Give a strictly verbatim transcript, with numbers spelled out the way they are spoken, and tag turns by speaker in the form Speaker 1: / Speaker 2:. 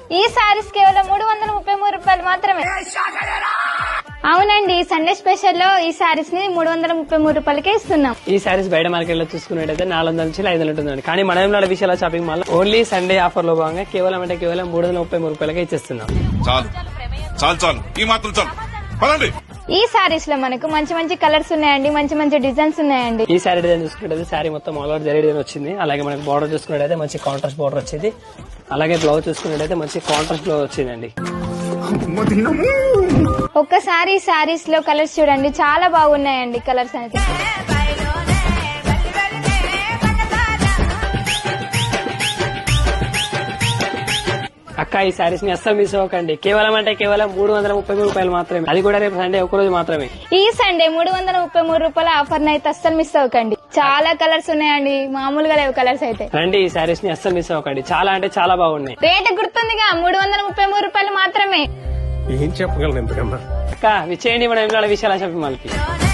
Speaker 1: ఈ సారీస్ కేవలం మూడు వందల ముప్పై మూడు రూపాయలు మాత్రమే. అవునండి, సండే స్పెషల్ లో ఈ సారీస్ ని మూడు వందల ముప్పై మూడు రూపాయలకే ఇస్తున్నాం.
Speaker 2: ఈ సారీస్ బయట మార్కెట్ లో చూసుకున్నట్టయితే నాలుగు వందల నుంచి ఐదు వందలు ఉంటుందండి. కానీ మనం Vishala shopping mall only Sunday offer లో భాగంగా కేవలం అంటే కేవలం మూడు వందల ముప్పై మూడు రూపాయలకే ఇచ్చేస్తున్నాం.
Speaker 3: చాలు చాలు చాలు ఈ మాత్రం చాలు పదండి.
Speaker 1: ఈ సారీస్ లో మనకు మంచి మంచి కలర్స్ ఉన్నాయండి, మంచి మంచి డిజైన్స్ ఉన్నాయండి.
Speaker 2: ఈ సారీ డిజైన్ చూసుకున్నట్టయితే సారీ మొత్తం ఆల్ ఓవర్ జరీ డిజైన్ వచ్చింది. అలాగే మనకి బార్డర్ చూసుకున్నట్టయితే మంచి కాంట్రాస్ట్ బార్డర్ వచ్చింది. అలాగే బ్లౌజ్ చూసుకున్నట్టయితే మంచి కాంట్రాస్ట్ బ్లౌజ్ వచ్చిందండి.
Speaker 1: ఒక్కసారి ఈ సారీస్ లో కలర్స్ చూడండి, చాలా బాగున్నాయండి కలర్స్ అయితే.
Speaker 2: అక్క ఈ సారీస్ ని అస్సలు మిస్ అవ్వకండి. కేవలం అంటే కేవలం మూడు వందల ముప్పై మూడు రూపాయలు మాత్రమే, అది కూడా రేపు సండే ఒక రోజు మాత్రమే.
Speaker 1: ఈ సండే మూడు వందల ముప్పై మూడు రూపాయల ఆఫర్ అయితే అస్సలు మిస్ అవ్వకండి. చాలా కలర్స్ ఉన్నాయండి, మామూలుగా లేవు కలర్స్ అయితే.
Speaker 2: రండి ఈ సారీస్ ని అస్సలు మిస్ అవ్వకండి, చాలా అంటే చాలా బాగున్నాయి.
Speaker 1: రేట్ గుర్తుందిగా, మూడు వందల ముప్పై మూడు రూపాయలు మాత్రమే.
Speaker 4: ఏం చెప్పగలను ఎంతకన్నా.
Speaker 2: అక్క విచ్చేయండి మన విశాల షాపింగ్ మాల్ కి.